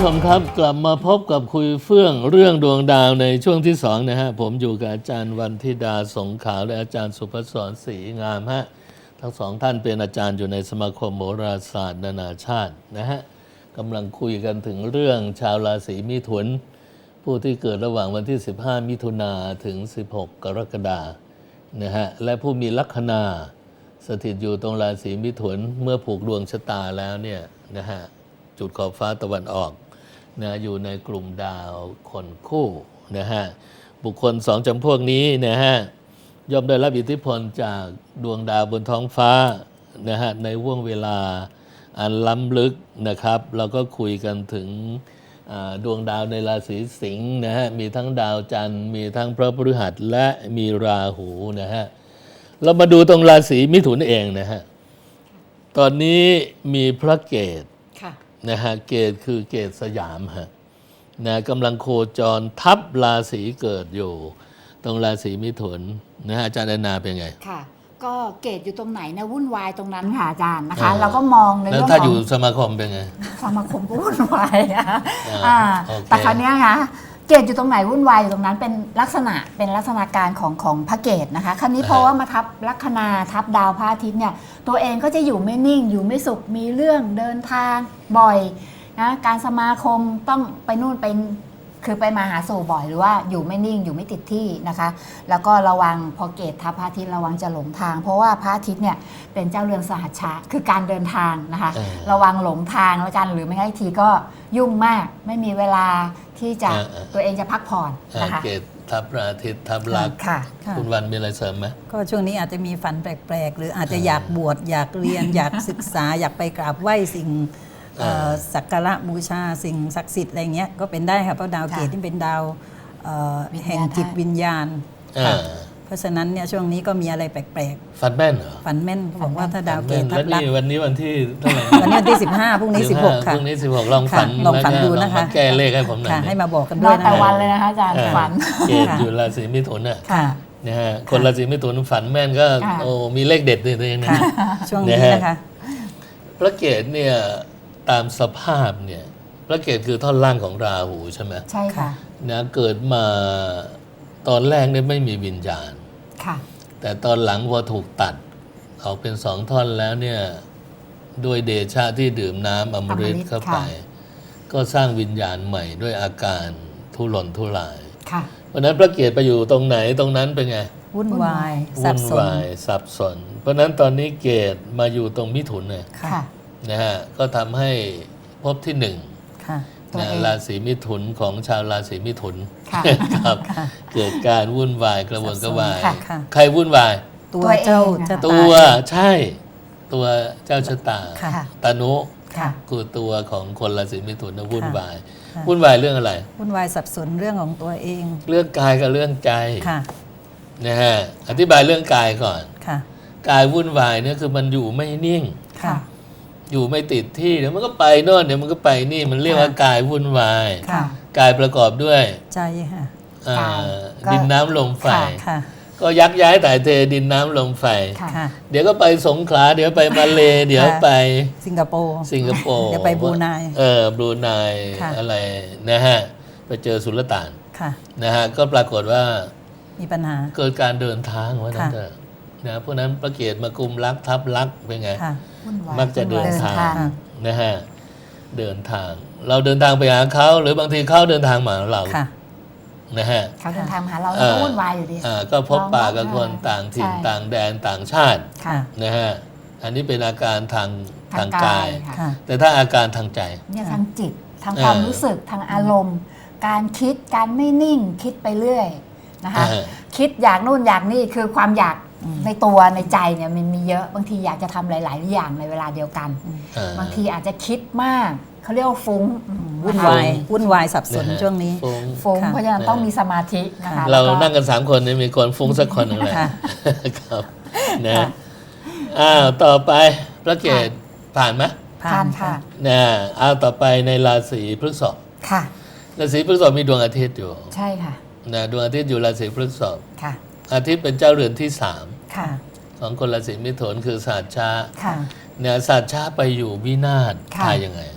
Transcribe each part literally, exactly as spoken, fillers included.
ชมครับกลับมาพบกับคุยเฟื่องเรื่องดวงดาวในช่วงที่สองนะฮะผมอยู่กับอาจารย์วันธิดาสงขาวและอาจารย์สุภศรศรีงามฮะทั้งสองท่านเป็นอาจารย์อยู่ในสมาคมโหราศาสตร์นานาชาตินะฮะกำลังคุยกันถึงเรื่องชาวราศีมิถุนผู้ที่เกิดระหว่างวันที่สิบห้ามิถุนาถึงสิบหกกรกฎานะฮะและผู้มีลัคนาสถิตอยู่ตรงราศีมิถุนเมื่อผูกดวงชะตาแล้วเนี่ยนะฮะจุดขอบฟ้าตะวันออกนะอยู่ในกลุ่มดาวคนคู่นะฮะบุคคลสองจำพวกนี้นะฮะย่อมได้รับอิทธิพลจากดวงดาวบนท้องฟ้านะฮะในห่วงเวลาอันล้ำลึกนะครับเราก็คุยกันถึงดวงดาวในราศีสิงห์นะฮะมีทั้งดาวจันทร์มีทั้งพระพฤหัสและมีราหูนะฮะเรามาดูตรงราศีมิถุนเองนะฮะตอนนี้มีพระเกศนะฮะเกศคือเกศสยามฮะนะกำลังโคจรทับราศีเกิดอยู่ตรงราศีมิถุนนะฮะอาจารย์แอนนาเป็นไงค่ะก็เกศอยู่ตรงไหนนะวุ่นวายตรงนั้นค่ะอาจารย์นะคะเราก็มองในเรื่องของแล้วถ้าอยู่สมาคมเป็นไงสมาคมก็วุ่นวายนะแต่ครั้งนี้ค่ะเกศอยู่ตรงไหนวุ่นวายอยู่ตรงนั้นเป็นลักษณะเป็นลักษณะการของของพระเกศนะคะครั้นี้เพราะว่ามาทับลัคนาทับดาวพระอาทิตย์เนี่ยตัวเองก็จะอยู่ไม่นิ่งอยู่ไม่สุขมีเรื่องเดินทางบ่อยนะการสมาคมต้องไปนู่นไปคือไปมาหาสู่บ่อยหรือว่าอยู่ไม่นิ่งอยู่ไม่ติดที่นะคะแล้วก็ระวังพอเกศทับพระอาทิตย์ระวังจะหลงทางเพราะว่าพระอาทิตย์เนี่ยเป็นเจ้าเรือนสหัชชะคือการเดินทางนะคะระวังหลงทางแล้วกันหรือไม่งั้นทีก็ยุ่งมากไม่มีเวลาที่จะตัวเองจะพักผ่อนนะคะเกศทับพระอาทิตย์ทับลักค่ะคุณวันมีอะไรเสริมไหมก็ช่วงนี้อาจจะมีฝันแปลกๆหรืออาจจะอยากบวชอยากเรียนอยากศึกษาอยากไปกราบไหว้สิ่งสักการะบูชาสิ่งศักดิ์สิทธิ์อะไรเงี้ยก็เป็นได้ค่ะเพราะดาวเกศที่เป็นดาวแห่งจิตวิญญาณเพราะฉะนั้นเนี่ยช่วงนี้ก็มีอะไรแปลกๆฝันแม่นเหรอฝันแม่นเขาบอกว่าถ้าดาวเกศทับลักวันนี้วันที่เท่าไหร่วันนี้วันที่สิบห้าพรุ่งนี้สิบหกค่ะพรุ่งนี้สิบหกลองฝันลองฝันดูนะคะแก้เลขให้ผมหน่อยให้มาบอกกันด้วยนะแต่วันเลยนะคะอาจารย์ฝันเกศอยู่ราศีมิถุนน่ะนะฮะคนราศีมิถุนฝันแม่นก็โอ้มีเลขเด็ดเลยนะช่วงนี้นะคะพระเกศเนี่ยตามสภาพเนี่ยพระเกศคือท่อนล่างของราหูใช่ไหมใช่ค่ะนะเกิดมาตอนแรกเนี่ยไม่มีวิญญาณค่ะแต่ตอนหลังพอถูกตัดออกเป็นสองท่อนแล้วเนี่ยด้วยเดชะที่ดื่มน้ำอมฤตเข้าไปก็สร้างวิญญาณใหม่ด้วยอาการทุรนทุรายเพราะนั้นพระเกศไปอยู่ตรงไหนตรงนั้นเป็นไงวุ่นวายวุ่นวายสับสนเพราะนั้นตอนนี้เกศมาอยู่ตรงมิถุนเนี่ยนะฮะก็ทำให้พบที่หนึ่งนะราศีมิถุนของชาวราศีมิถุนครับเกิดการวุ่นวายกระวนกระวายใครวุ่นวายตัวเจ้าชะตาตัวใช่ตัวเจ้าชะตาตานุคือตัวของคนราศีมิถุนนะวุ่นวายวุ่นวายเรื่องอะไรวุ่นวายสับสนเรื่องของตัวเองเรื่องกายกับเรื่องใจนะฮะอธิบายเรื่องกายก่อนกายวุ่นวายเนี่ยคือมันอยู่ไม่นิ่งอยู่ไม่ติดที่เดี๋ยวมันก็ไปโน่นเดี๋ยวมันก็ไปนี่มันเรียกว่ากายวุ่นวายกายประกอบด้วยใจค่ะดินน้ำลมไฟก็ยักย้ายถ่ายเทดินน้ำลมไฟเดี๋ยวก็ไปสงขลาเดี๋ยวไปมาเลเดี๋ยวไปสิงคโปร์สิงคโปร์เดี๋ยวไปบรูไนเออบรูไนอะไรนะฮะไปเจอสุลต่านนะฮะก็ปรากฏว่ามีปัญหาเกิดการเดินทางว่านั่นเถอะนะเพราะนั้นพระเกศมากุมลักทับลักเป็นไงมักจะเดินทางนะฮะเดินทางเราเดินทางไปหาเขาหรือบางทีเขาเดินทางมาเรานะฮะเขาเดินทางมาหาเราเราก็วุ่นวายอยู่ดีก็พบปะกับคนต่างถิ่นต่างแดนต่างชาตินะฮะอันนี้เป็นอาการทางทางกายแต่ถ้าอาการทางใจเนี่ยทางจิตทางความรู้สึกทางอารมณ์การคิดการไม่นิ่งคิดไปเรื่อยนะคะคิดอยากนู่นอยากนี่คือความอยากในตัวในใจเนี่ยมันมีเยอะบางทีอยากจะทำหลายๆอย่างในเวลาเดียวกันบางทีอาจจะคิดมากเขาเรียกว่าฟุ้งวุ่นวายวุ่นวายสับสนช่วงนี้ฟุ้งเพราะฉะนั้นต้องมีสมาธินะคะเรานั่งกันสามคนนี่มีคนฟุ้งสักคนหนึ่งเลยครับนะอ้าวต่อไปพระเกศผ่านไหมผ่านค่ะนะอ้าวต่อไปในราศีพฤษภค่ะราศีพฤษภมีดวงอาทิตย์อยู่ใช่ค่ะนะดวงอาทิตย์อยู่ราศีพฤษภค่ะอาทิตย์เป็นเจ้าเรือนที่สามของคนราศีมิถุนคือศาสตร์ชาเนี่ยศาสตร์ชาไปอยู่วินาศทายยังไง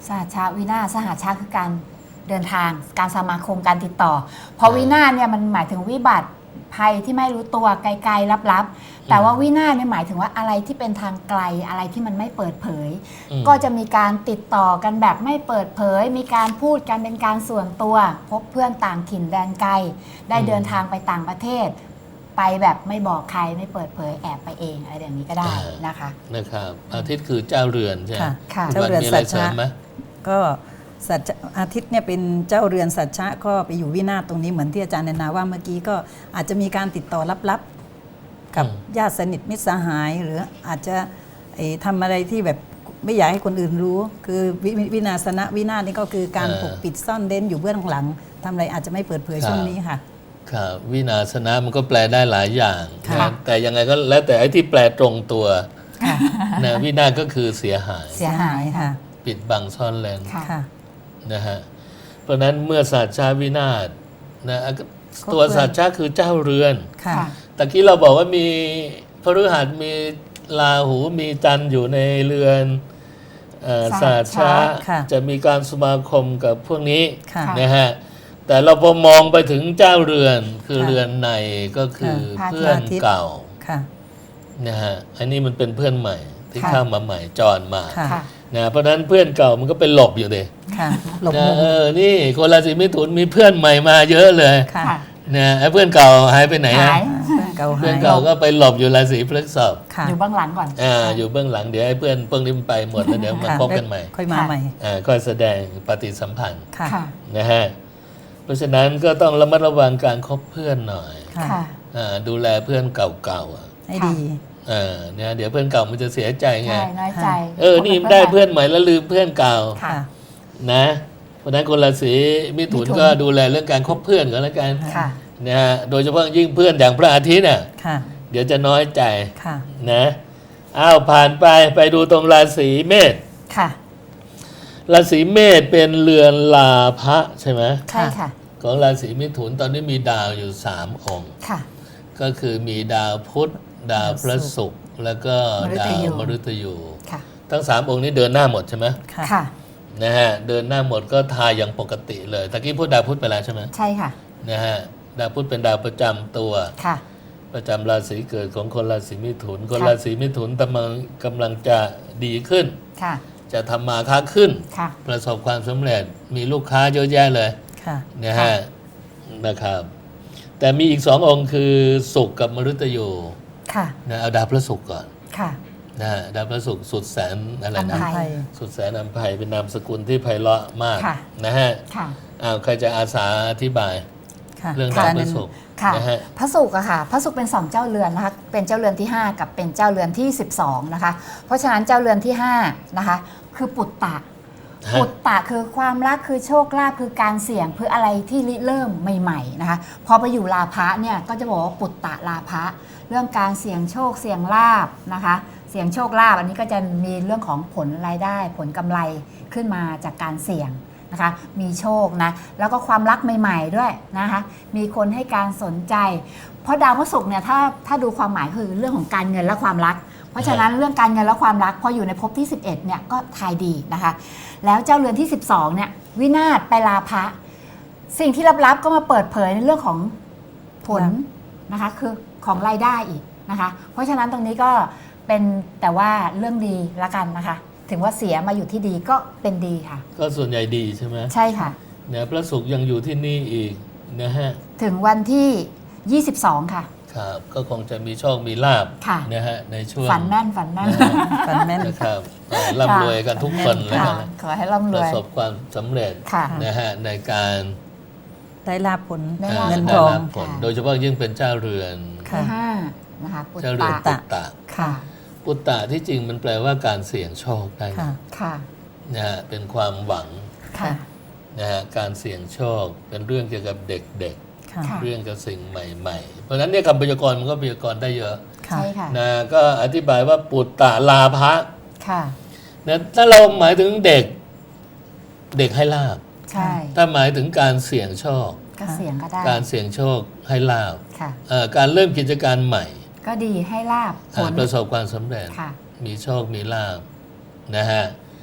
สหัชชาวินาศสหัชชาคือการเดินทางการสมาคมการติดต่อพอวินาศเนี่ยมันหมายถึงวิบัติภัยที่ไม่รู้ตัวไกลๆลับๆแต่ว่าวินาศเนี่ยหมายถึงว่าอะไรที่เป็นทางไกลอะไรที่มันไม่เปิดเผยอืมก็จะมีการติดต่อกันแบบไม่เปิดเผย มีการพูดกันเป็นการส่วนตัวพบเพื่อนต่างถิ่นแดนไกลได้เดินทางไปต่างประเทศ ไปแบบไม่บอกใครไม่เปิดเผยแอบไปเองอะไรอย่างนี้ก็ได้นะคะนะครับอาทิตย์คือเจ้าเรือนใช่ไหมค่ะค่ะคุณเจ้าวันเรือนมีอะไรสัจเสริจะมไหมก็สัจจะอาทิตย์เนี่ยเป็นเจ้าเรือนสัจจะก็ไปอยู่วินาศตรงนี้เหมือนที่อาจารย์แนนาว่าเมื่อกี้ก็อาจจะมีการติดต่อลับๆกับอืมญาติสนิทมิตรสหาย หรืออาจจะเอ่อทำอะไรที่แบบไม่อยากให้คนอื่นรู้ คือวิวิวินาศนะวินาศนี่ก็คือการปกปิดซ่อนเร้นอยู่เบื้องหลังทำอะไรอาจจะไม่เปิดเผยช่วงนี้ค่ะครับวินาศนะมันก็แปลได้หลายอย่างค่ะนะแต่ยังไงก็แล้วแต่ไอ้ที่แปลตรงตัวค่ะนะวินาศก็คือเสียหายเสียหายค่ะปิดบังซ่อนเร้นค่ะค่ะนะฮะเพราะฉะนั้นเมื่อสัตว์ชาวินาศนะตัวครบถ้วนสัตว์ชาคือเจ้าเรือนค่ะค่ะตะกี้เราบอกว่ามีพฤหัสมีราหูมีจันทร์อยู่ในเรือนเอ่อสัสัตตว์ว์ชาชาค่ะจะมีการสมาคมกับพวกนี้ค่ะนะฮะแต่เราพอมองไปถึงเจ้าเรือนคือค่ะเรือนในก็คือค่ะเพื่อนพระอาทิตย์เก่าค่ะนะฮะอันนี้มันเป็นเพื่อนใหม่ที่ค่ะเข้ามาใหม่จอนมาค่ะค่ะนะเพราะฉะนั้นเพื่อนเก่ามันก็เป็นหลบอยู่เลยค่ะหลบนะมุมเออนี่คนราศีมิถุนมีเพื่อนใหม่มาเยอะเลยค่ะค่ะนะไอ้เพื่อนเก่าหายไปไหนหาฮะยเพื่อนเก่าเพื่หาอนยเก่าก็ไปหลบอยู่ราศีพฤษภค่ะอยู่เบื้องหลังก่อนอ่าอยู่เบื้องหลังเดี๋ยวไอ้เพื่อนเพิ่งนี้มันไปหมดแล้วเดี๋ยวมาค่ะพบกันใหม่ค่อยมาใหม่อ่าค่อยแสดงปฏิสัมพันธ์ค่ะค่ะนะฮะเพราะฉะนั้นก็ต้องระมัดระวังการคบเพื่อนหน่อยค่ะค่ะอ่าดูแลเพื่อนเก่าๆอ่ะให้ดีเออเนี่ยเดี๋ยวเพื่อนเก่ามันจะเสียใจไงใช่น้อยใจเออนี่ได้เพื่อนใหม่แล้วลืมเพื่อนเก่าค่ะนะเพราะฉะนั้นคนราศีมิถุนมิถุนก็ดูแลเรื่องการคบเพื่อนก็แล้วกันค่ะนะฮะโดยเฉพาะยิ่งเพื่อนอย่างพระอาทิตย์น่ะค่ะเดี๋ยวจะน้อยใจค่ะนะอ้าวผ่านไปไปดูตรงราศีเมษค่ะราศีเมษเป็นเรือนลาภะใช่ไหมใช่ค่ะของราศีมิถุนตอนนี้มีดาวอยู่สามองค์ค่ะก็คือมีดาวพุธ ดาวพระศุกร์แล้วก็มฤดาตวยูมฤตยูค่ะทั้งสามองค์นี้เดินหน้าหมดใช่ไหมค่ะค่ะนะฮะเดินหน้าหมดก็ทายอย่างปกติเลยตะกี้พูดดาวพุธไปแล้วใช่ไหมใช่ค่ะนะฮะดาวพุธเป็นดาวประจำตัวค่ะประจำราศีเกิดของคนราศีมิถุน คนค่ะราศีมิถุนกำลังกำลังจะดีขึ้นค่ะจะทำมาค้าขึ้นค่ะประสบความสำเร็จมีลูกค้าเยอะแยะเลยค่ะนะฮะนะครับ แต่มีอีกสององค์คือศุกร์กับมฤตยูค่ะนะเอาดาวพระศุกร์ก่อนค่ะนะฮะดาวพระศุกร์สุดแสนอะไรอัมนะไพไทยสุดแสนอัมภัยเป็นนามสกุลที่ไพเราะมากค่ะนะฮะค่ะอ้าวใครจะอาสาอธิบายค่ะเรื่องค่ะดาวพระศุกร์ค่ะนะฮะพระศุกร์อะค่ะ พระศุกร์เป็นสองเจ้าเรือนนะคะ เป็นเจ้าเรือนที่ ห้า กับเป็นเจ้าเรือนที่ สิบสอง นะคะ เพราะฉะนั้นเจ้าเรือนที่ ห้า นะคะ คือปุตตะฮะปุตตะคือความรักคือโชคลาภคือการเสี่ยงคืออะไรที่ริเริ่มใหม่ๆนะคะ พอไปอยู่ลาภะเนี่ยก็จะบอกว่าปุตตะลาภะเรื่องการเสี่ยงโชคเสี่ยงลาภนะคะ เสี่ยงโชคลาภอันนี้ก็จะมีเรื่องของผลรายได้ผลกำไรขึ้นมาจากการเสี่ยงนะคะ มีโชคนะแล้วก็ความรักใหม่ ๆด้วยนะคะ มีคนให้การสนใจ เพราะดาวพฤหัสเนี่ยถ้าถ้าดูความหมายคือเรื่องของการเงินและความรัก เพราะฉะนั้นเรื่องการเงินและความรักพออยู่ในภพที่ สิบเอ็ดเนี่ยก็ทายดีนะคะ แล้วเจ้าเรือนที่ สิบสอง เนี่ยวินาศไปลาภะสิ่งที่ลับๆก็มาเปิดเผยในเรื่องของผลนะคะคือของรายได้อีกนะคะ เพราะฉะนั้นตรงนี้ก็เป็นแต่ว่าเรื่องดีละกันนะคะ ถึงว่าเสียมาอยู่ที่ดีก็เป็นดีค่ะก็ส่วนใหญ่ดีใช่ไหมใช่ค่ะเนี่ยพระศุกร์ยังอยู่ที่นี่อีกนะฮะถึงวันที่ ยี่สิบสอง ค่ะครับก็คงจะมีโชคมีลาบค่ะนะฮะในช่วงฝันแม่นฝันแม่นฝันแม่นนะครับเอ่อร่ำรวยกันทุกคนแล้วค่ะกันขอให้ร่ำรประวยสบความสำเร็จค่ะนะฮะในการได้ลาภผลได้อ่าลาภเงินได้ทองรับผลค่ะโดยเฉพาะยิ่งเป็นเจ้าเรือนค่ะที่ห้านะคะปุตเจ้าเรือนตะปุตตะค่ะปุตตะที่จริงมันแปลว่าการเสี่ยงโชคได้ค่ะค่ะนะฮะเป็นความหวังค่ะนะฮะการเสี่ยงโชคเป็นเรื่องเกี่ยวกับเด็กค่ะค่ะๆ เรื่องกับสิ่งใหม่ ๆ เพราะฉะนั้นเนี่ยคำพยากรณ์มันก็พยากรณ์ได้เยอะค่ะใช่ค่ะนะก็อธิบายว่าปุตตะลาภะค่ะนะถ้าเราหมายถึงเด็กเด็กให้ลาบใช่ถ้าหมายถึงการเสี่ยงโชคก็เสียงก็ได้การเสี่ยงโชคให้ลาบค่ะเอ่อการเริ่มกิจการใหม่ก็ดีให้ลาบผอ่าลประสบความสำเร็จค่ะมีโชคมีลาบนะฮะ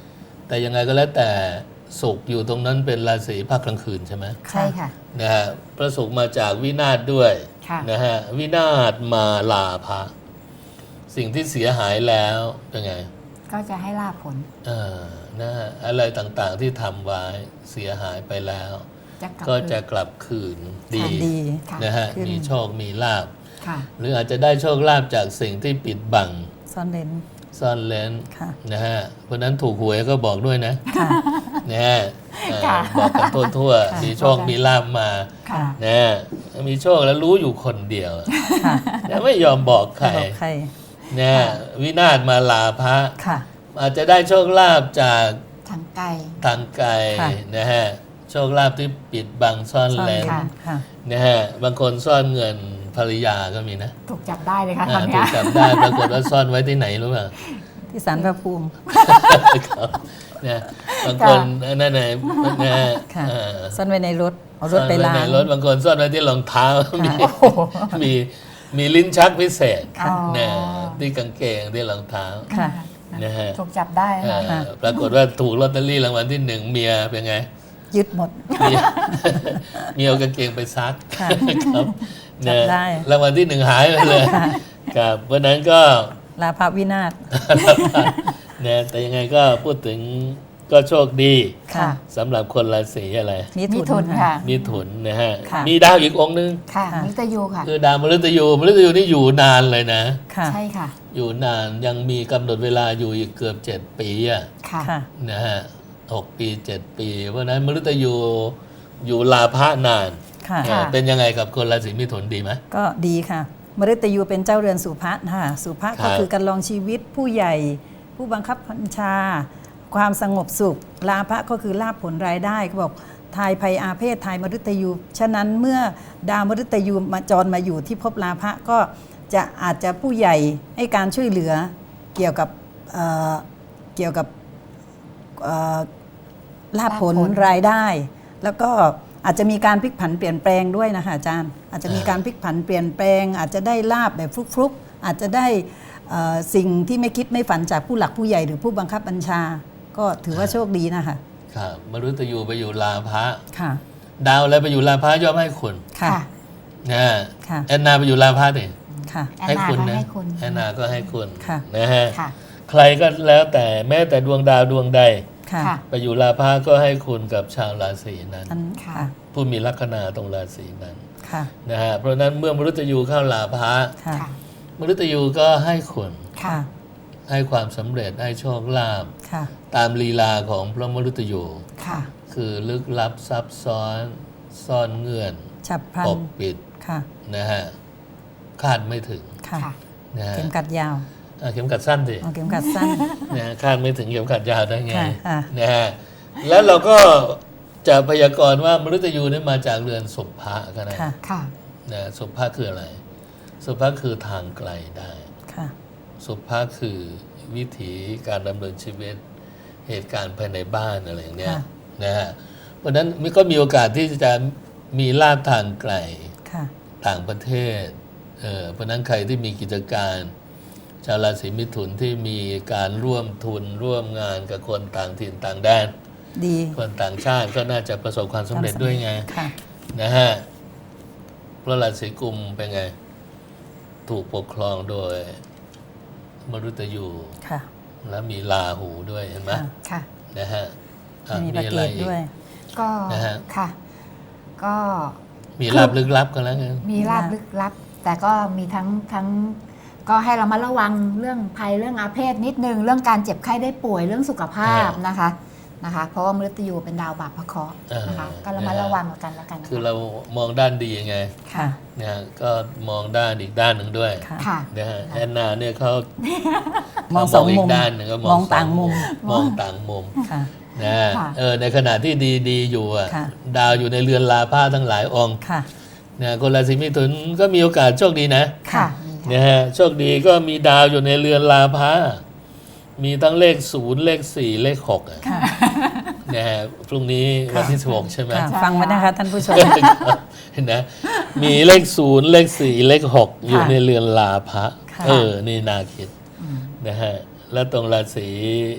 แต่ยังไงก็แล้วแต่ศุกร์อยู่ตรงนั้นเป็นราศีภาคกลางคืนใช่ไหมใช่ค่ะนะฮะพระศุกร์มาจากวินาศด้วยค่ะนะฮะวินาศมาลาภะสิ่งที่เสียหายแล้วเป็นไงก็จะให้ลาภผลเออนะฮะอะไรต่างๆที่ทำไว้เสียหายไปแล้วจะกลับก็จะกลับคืนดีค่ะดีค่ะนะฮะขึ้นมีโชคมีลาภค่ะหรืออาจจะได้โชคลาภจากสิ่งที่ปิดบังซ่อนเร้นซ่อนเร้นค่ะนะฮะเพราะฉะนั้นถูกหวยก็บอกด้วยนะค่ะนะฮะเอ่อค่ะบอกกันทั่วค่ะๆมีโชคมีลาภมาค่ะนะฮะมีโชคแล้วรู้อยู่คนเดียวค่ะนะไม่ยอมบอกใครไม่บอกใครนะฮะวินาศมาลาภะค่ะอาจจะได้โชคลาภจากทางไกลทางไกลค่ะนะฮะโชคลาภที่ปิดบังซ่อนซ่อนเร้เร้นนค่ะค่ะนะฮะบางคนซ่อนเงินภรรยาก็มีนะถูกจับได้เลยค่ะตอ่าอนถูเนี้กยจับได้ปรากฏว่าซ่อนไว้ที่ไหนรู้ป่ะที่ศาลพระภูมิครับนะบางคนนั่นไงนะฮะค่ะเอ่อซ่อนไว้ในรถ เอารถไปซ่อนล้าว้งในรถบางคนซ่อนไว้ที่รองเท้ามีโอ้โหมีมีลิ้นชักพิเศษอ๋อนะที่กางเกงที่รองเท้าค่ะนะฮะถูกจับได้เอ่ค่ะอปรากฏว่าถูกลอตเตอรี่รางวัลที่หนึ่งเมียเป็นไงยึดหมดเมีย เมียเอากางเกงไปซักค่ะครับจับได้รางวัลที่หนึ่งหายไปเลยครับเพราะฉะนั้นก็ลาภวินาศนะแต่ยังไงก็พูดถึงก็โชคดีค่ะสำหรับคนราศีอะไรมิมิถุถุนนค่ะค่ะมิถุนนะฮะค่ะมีดาวอีกองค์นึงค่ะค่ะมิตยูค่ะคือดาวมฤตยูมฤตยูนี่อยู่นานเลยนะค่ะใช่ค่ะอยู่นานยังมีกำหนดเวลาอยู่อีกเกือบเจ็ดปีอะค่ะค่ะนะฮะหกปีเจ็ดปี เพราะฉะนั้นมฤตยูอยู่ลาภะนานค่ะเออเป็นยังไงกับคนราศีมิถุนดีไหมก็ดีค่ะ มฤตยูเป็นเจ้าเรือนสุภะค่ะสุภะครัก็บคือการลองชีวิตผู้ใหญ่ ผู้บังคับบัญชา ความสงบสุข ลาภะก็คือลาภผลรายได้เขาบอกทายภัยอาเพศทายมฤตยู ฉะนั้นเมื่อดาวมฤตยูมาจรมาอยู่ที่ภพลาภะก็จะอาจจะผู้ใหญ่ให้การช่วยเหลือเกี่ยวกับเอ่อเกี่ยวกับเอ่อลาภผลลาภผลรายได้ แล้วก็อาจจะมีการพลิกผันเปลี่ยนแปลงด้วยนะคะอาจารย์ อาจจะมีการพลิกผันเปลี่ยนแปลง อาจจะได้ลาบแบบฟลุกๆอาจจะได้เอ่อสิ่งที่ไม่คิดไม่ฝันจากผู้หลักผู้ใหญ่หรือผู้บังคับบัญชา ก็ถือว่าโชคดีนะคะครับมฤตยูไปอยู่ลาภะค่ะดาวอะไรไปอยู่ลาภะย่อมให้คุณค่ะค่ะนะค่ะแอนนาไปอยู่ลาภะดิค่ะแอนให้นาคุณก็นะให้คุณแอนนาก็ให้คุณค่ะนะฮะค่ะใครก็แล้วแต่แม้แต่ดวงดาวดวงใดค่ะค่ะไปอยู่ลาภะก็ให้คุณกับชาวราศีนั้นอันค่ะค่ะผู้มีลัคนาตรงราศีนั้นค่ะนะฮะเพราะฉะนั้นเมื่อมฤตยูเข้าลาภะค่ะค่ะมฤตยูก็ให้คุณค่ะให้ความสำเร็จให้โชคลาภค่ะตามลีลาของพระมฤตยูค่ะคือลึกลับซับซ้อนซ่อนเงื่อนฉับพลัปนกปิดค่ะนะฮะคาดไม่ถึงค่ะค่ะนะฮะเข็มกัดยาวอ่ะเข็มกัดสั้นสิเอาเข็มกัดสั้นนะฮะคาดไม่ถึงเข็มขัดยาวได้ไงค่ะค่ะนะฮะแล้วเราก็จะพยากรณ์ว่ามฤตยูนี่มาจากเรือนสุภะก็ได้ค่ะค่ะนะสุภะคืออะไร สุภะคือทางไกลได้ค่ะสุภะคือวิถีการดำเนินชีวิตเหตุการณ์ภายในบ้านอะไรอย่างเนี้ยค่ะนะฮะเพราะฉะนั้นมันก็มีโอกาสที่จะมีลาภทางไกลค่ะต่างประเทศเออเพราะฉะนั้นใครที่มีกิจการ ชาวราศีมิถุนที่มีการร่วมทุนร่วมงานกับคนต่างถิ่นต่างแดนดีคนต่างชาติก็น่าจะประสบความสำเร็จด้วยไงค่ะนะฮะเพราะราศีกุมเป็นไง ถูกปกครองโดยมฤตยูค่ะแล้วมีราหูด้วยเห็นไหมค่ะค่ะนะฮะอ่ะมีประอะเกไรตอีกด้วยก็นะฮะค่ะ ก็มีลาบลึกลับกันแล้วไงมีลาบลึกลับ แต่ก็มีทั้งทั้ง ก็ให้เรามาระวังเรื่องภัยเรื่องอาเพศนิดนึง เรื่องการเจ็บไข้ได้ป่วยเรื่องสุขภาพนะคะนะคะ เพราะว่ามฤตยูเป็นดาวบาปพระเคราะห์นะคะ ก็เรามาระวังกันแล้วกันนะะคือเรามองด้านดีไงค่ะนะฮะก็มองด้านอีกด้านหนึ่งด้วยค่ะค่ะนะฮะแอนนาเนี่ยเขามองสองเขมุมกด้านหนึ่งก็มองต่างมุมมองต่างมุมค่ะนะฮะค่ะเออในขณะที่ดีดีๆอยู่อ่ะค่ะดาวอยู่ในเรือนลาภะทั้งหลายองค์ค่ะนะคนราศีมิถุนก็มีโอกาสโชคดีนะค่ะนะฮะโชคดีก็มีดาวอยู่ในเรือนลาภะมีทั้งเลขศูนย์เลขสี่เลขหกอะค่ะนะฮะพรุ่งนี้วันที่สิบหกใช่ไหมค่ะ ฟังไว้นะคะท่านผู้ชมเห็นนะมีเลขศูนย์เลขสี่เลขหกอยู่ค่ะในเรือนลาภะค่ะเออนี่น่าคิดอืมนะฮะแล้วตรงราศี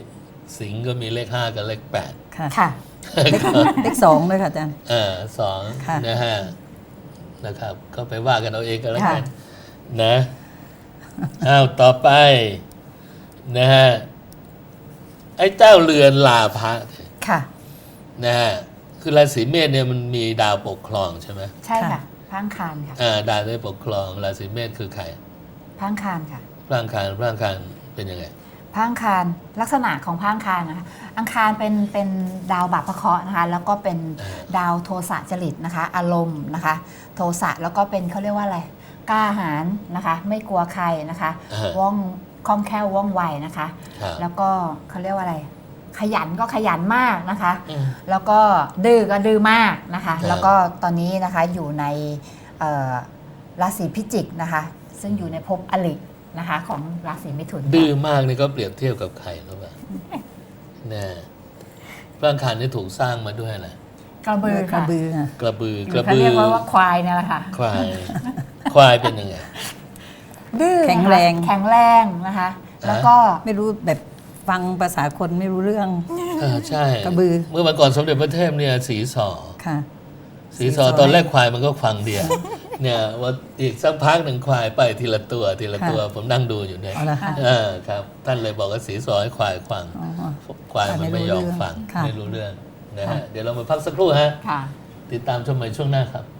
สิงห์ก็มีเลขห้ากับเลขแปดค่ะค่ะเลขเลขสองเลยค่ะอาจารย์เออสองค่ะนะฮะนะครับ ก็ไปว่ากันเอาเองกันแล้วกันค่ะนะอ้าวต่อไปนะฮะไอ้เจ้าเรือนลาภะค่ะนะฮะคือราศีเมษเนี่ยมันมีดาวปกครองใช่ไหมใช่ค่ะค่ะพระอังคารค่ะอ่าดาวได้ปกครองราศีเมษคือใครพระอังคารค่ะพระอังคารพระอังคารเป็นยังไงพระอังคารลักษณะของพระอังคารนะคะอังคารเป็นเป็นดาวบาปพระเคราะห์นะคะ แล้วก็เป็นเออดาวโทสะจริตนะคะ อารมณ์นะคะ โทสะแล้วก็เป็นเขาเรียกว่าอะไรกล้าหาญนะคะ ไม่กลัวใครนะคะเออว่องคล่องแคล่วว่องไวนะคะครับแล้วก็เขาเรียกว่าอะไร ขยันก็ขยันมากนะคะอืมแล้วก็ดื้อก็ดื้อมากนะคะครับแล้วก็ตอนนี้นะคะอยู่ในเอ่อราศีพิจิกนะคะ ซึ่งอยู่ในภพอรินะคะ ของราศีมิถุนดื้อมากนี่ก็เปรียบเทียบกับใครรู้ป่ะนะพระอังคารนี่ถูกสร้างมาด้วยอะไรกระบือกระค่ะบือค่ะกระบือกระเขาบืเรีอยกว่าว่าควายเนี่ยแหละค่ะควายควายเป็นยังไงดื้อนะคะแข็งแรงแข็งแรงนะคะ แล้วก็ไม่รู้แบบฟังภาษาคนไม่รู้เรื่องเออใช่กระบือเมื่อวันก่อนสมเด็จพระเทพเนี่ยสีสอค่ะสีสอตอนแรกควายมันก็ฟังเดียวเนี่ยว่าอีกสักพักหนึ่งควายไปทีละตัวทีละตัว ผมนั่งดูอยู่เนี่ยเอาละค่ะเออครับ ท่านเลยบอกว่าสีสอให้ควายฟังอ๋อควายมันไม่ยอมฟังค่ะไม่รู้เรื่องนะฮะค่ะเดี๋ยวเรามาพักสักครู่ฮะค่ะติดตามชมใหม่ช่วงหน้าครับ